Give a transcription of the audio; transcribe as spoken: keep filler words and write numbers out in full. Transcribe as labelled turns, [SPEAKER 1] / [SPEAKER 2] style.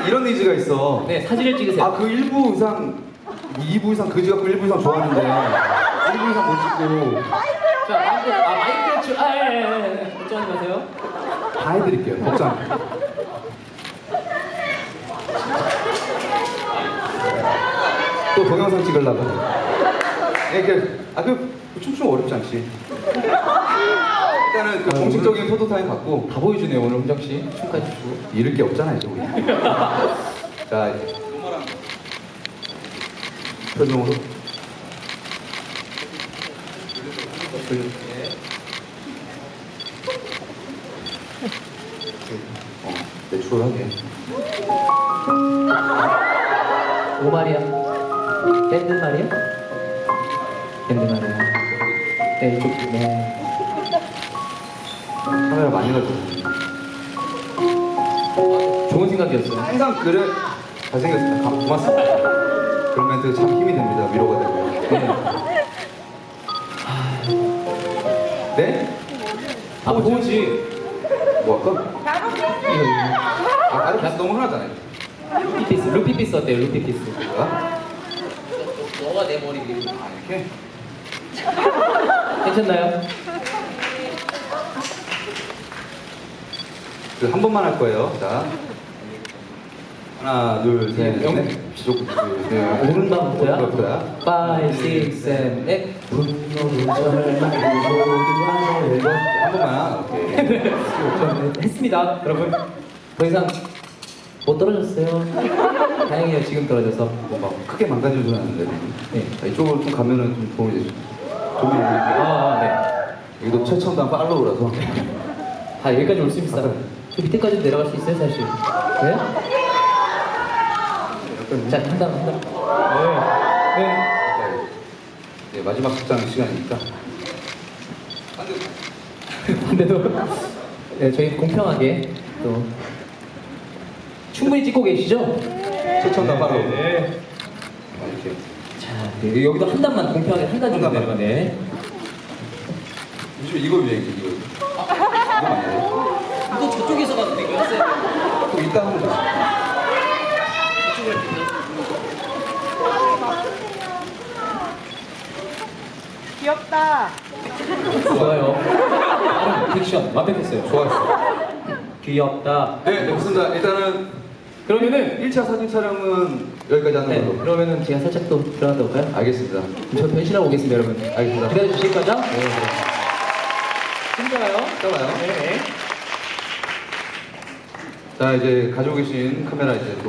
[SPEAKER 1] 나는 이런 의지가 있어.
[SPEAKER 2] 네, 사진을 찍으세요.
[SPEAKER 1] 아, 그 일 부 이상, 이 부 이상 그지 갖고 일 부 이상 좋아하는데 일 부 이상 못 찍고
[SPEAKER 2] 자, 마이크, 아, 마이크 주, 아, 예, 예, 예. 걱정하지 마세요.
[SPEAKER 1] 다 해드릴게요. 걱정 안 해요. 또 동영상 찍으려고. 예, 그, 아, 그, 춤추면 어렵지 않지. 일단은 그
[SPEAKER 2] 아,
[SPEAKER 1] 공식적인 포토타임 갖고
[SPEAKER 2] 다 보여주네요, 오늘 홍정씨. 춤까지 추고.
[SPEAKER 1] 잃을 게 없잖아요, 이제 우리. 자, 이제 표정으로. 어, 내추럴하게.
[SPEAKER 2] 오 말이야. 밴드 말이야? 밴드 말이야. 네, 이쪽, 네.
[SPEAKER 1] 카메라 많이 가지고.
[SPEAKER 2] 좋은 생각이었어요.
[SPEAKER 1] 항상 그래. 잘생겼습니다. 감- 고맙습니다. 그런 멘트 참 힘이 됩니다. 위로가 되고요. 네. 네?
[SPEAKER 2] 아, 포즈.
[SPEAKER 1] 뭐 할까? 아, 아래 너무 흔하잖아요.
[SPEAKER 2] 루피피스, 루피피스 어때요, 루피피스?
[SPEAKER 1] 아,
[SPEAKER 2] 너가 내 머리 위로.
[SPEAKER 1] 이렇게?
[SPEAKER 2] 괜찮나요?
[SPEAKER 1] 그 한 번만 할 거예요. 자. 하나, 둘, 셋,
[SPEAKER 2] 영.
[SPEAKER 1] 넷. 지속, 둘, 셋.
[SPEAKER 2] 오른발부터야?
[SPEAKER 1] 오른발부터야.
[SPEAKER 2] 파이브, 식스, 세븐, 에잇. 분노를 절망하고 모두
[SPEAKER 1] 한 번만. 오케이.
[SPEAKER 2] 네, 했습니다, 여러분. 더 이상 못 떨어졌어요. 다행이에요, 지금 떨어져서.
[SPEAKER 1] 뭐 막 크게 망가진 줄 알았는데.
[SPEAKER 2] 네.
[SPEAKER 1] 자, 이쪽으로 좀 가면은 좀 도움이 되죠. 도움이 되죠.
[SPEAKER 2] 아, 네.
[SPEAKER 1] 여기도 최첨단 팔로우라서.
[SPEAKER 2] 다 여기까지 올 수 있습니다. 저 밑에까지 내려갈 수 있어요, 사실. 네?
[SPEAKER 1] 약간
[SPEAKER 2] 자, 한 단, 한 단. 네. 네.
[SPEAKER 1] 네, 마지막 극장 시간이니까.
[SPEAKER 2] 근데도 네, 저희 공평하게 또 충분히 찍고 계시죠?
[SPEAKER 1] 최첨단 팔로우.
[SPEAKER 2] 네.
[SPEAKER 1] 아, 이렇게.
[SPEAKER 2] 자, 네, 여기도 한 단만 공평하게 한 단 정도
[SPEAKER 1] 한 단만.
[SPEAKER 2] 내려가네.
[SPEAKER 1] 요즘 이거 유행이지, 이거. 이거 많이 해.
[SPEAKER 2] 이거 저쪽에서 가도 되고 했어요.
[SPEAKER 1] 그럼 이따 하면 되지.
[SPEAKER 3] 귀엽다.
[SPEAKER 2] 좋아요. 다른 픽션 완벽했어요.
[SPEAKER 1] 좋았어.
[SPEAKER 2] 귀엽다.
[SPEAKER 1] 네, 좋습니다. 일단은
[SPEAKER 2] 그러면은
[SPEAKER 1] 일 차 사진 촬영은 여기까지 하는
[SPEAKER 2] 네,
[SPEAKER 1] 걸로.
[SPEAKER 2] 그러면은 제가 살짝 또 들어갔다 올까요?
[SPEAKER 1] 알겠습니다.
[SPEAKER 2] 저 변신하고 오겠습니다, 여러분.
[SPEAKER 1] 알겠습니다.
[SPEAKER 2] 기다려 주실 거죠?
[SPEAKER 1] 네, 네.
[SPEAKER 2] 힘들어요.
[SPEAKER 1] 이따 봐요.
[SPEAKER 2] 네.
[SPEAKER 1] 자, 이제 가지고 계신 카메라 이제 또